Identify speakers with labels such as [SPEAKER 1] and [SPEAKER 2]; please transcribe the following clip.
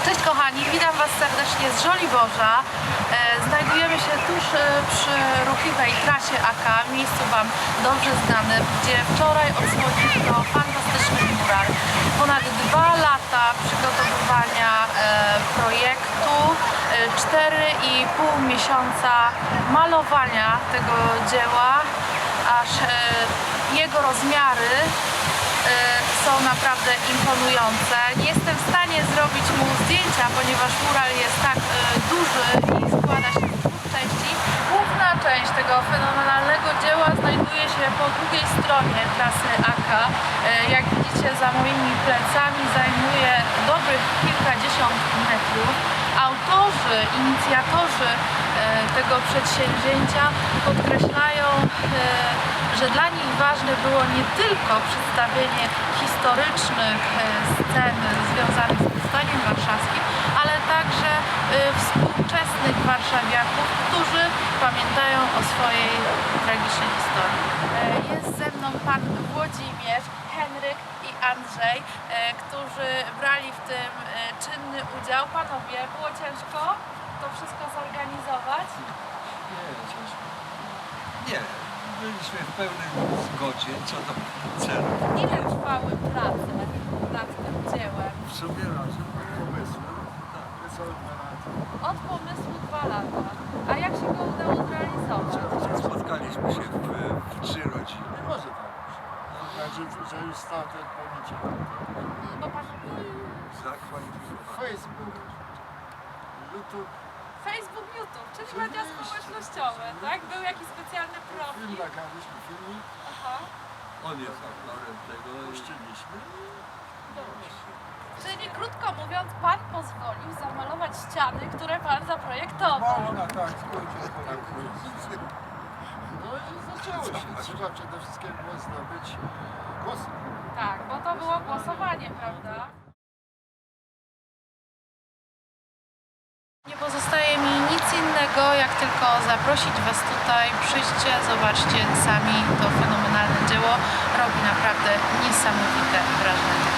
[SPEAKER 1] Cześć kochani, witam Was serdecznie z Żoliborza. Znajdujemy się tuż przy ruchliwej trasie AK, miejscu Wam dobrze znanym, gdzie wczoraj odsłoniono fantastyczny mural. Ponad 2 lata przygotowywania projektu, 4,5 miesiąca malowania tego dzieła, aż jego rozmiary są naprawdę imponujące. Nie jestem w stanie zrobić mu zdjęcia, ponieważ mural jest tak duży i składa się z 2 części. Główna część tego fenomenalnego dzieła znajduje się po drugiej stronie trasy AK. Jak widzicie, za moimi plecami zajmuje dobrych kilkadziesiąt metrów. Autorzy, inicjatorzy tego przedsięwzięcia podkreślają, że dla nich ważne było nie tylko przedstawienie historycznych scen związanych z powstaniem warszawskim, ale także współczesnych warszawiaków, którzy pamiętają o swojej tragicznej historii. Jest ze mną pan Włodzimierz, Henryk i Andrzej, którzy brali w tym czynny udział. Panowie, było ciężko to wszystko zorganizować?
[SPEAKER 2] Nie, ciężko. Nie, byliśmy w pełnej zgodzie co do celu.
[SPEAKER 1] Ile trwały prace nad tym dziełem?
[SPEAKER 2] W sumie razem od pomysłu, tak, niecałe 2 lata.
[SPEAKER 1] Od pomysłu 2 lata. A jak się go udało zrealizować?
[SPEAKER 2] Spotkaliśmy się w 3 rodziny.
[SPEAKER 3] Może tak być. Znaczy, że już stał ten pomniczek.
[SPEAKER 1] Bo pan...
[SPEAKER 2] Zakwalifikowany.
[SPEAKER 3] Facebook, YouTube,
[SPEAKER 1] Facebook, YouTube, czyli media społecznościowe, tak? Był jakiś specjalny
[SPEAKER 3] film
[SPEAKER 1] profil.
[SPEAKER 3] nagraliśmy, filmik,
[SPEAKER 1] Aha.
[SPEAKER 2] On jest autorem tego i
[SPEAKER 3] puściliśmy.
[SPEAKER 1] Czyli krótko mówiąc, pan pozwolił zamalować ściany, które pan zaprojektował.
[SPEAKER 3] Można tak, skrócie. No i zaczęło się. Trzeba przede wszystkim było zdobyć głosy.
[SPEAKER 1] Tak, bo to było głosowanie, prawda? Nie pozostaje mi nic innego, jak tylko zaprosić Was tutaj. Przyjdźcie, zobaczcie sami to fenomenalne dzieło. Robi naprawdę niesamowite wrażenie.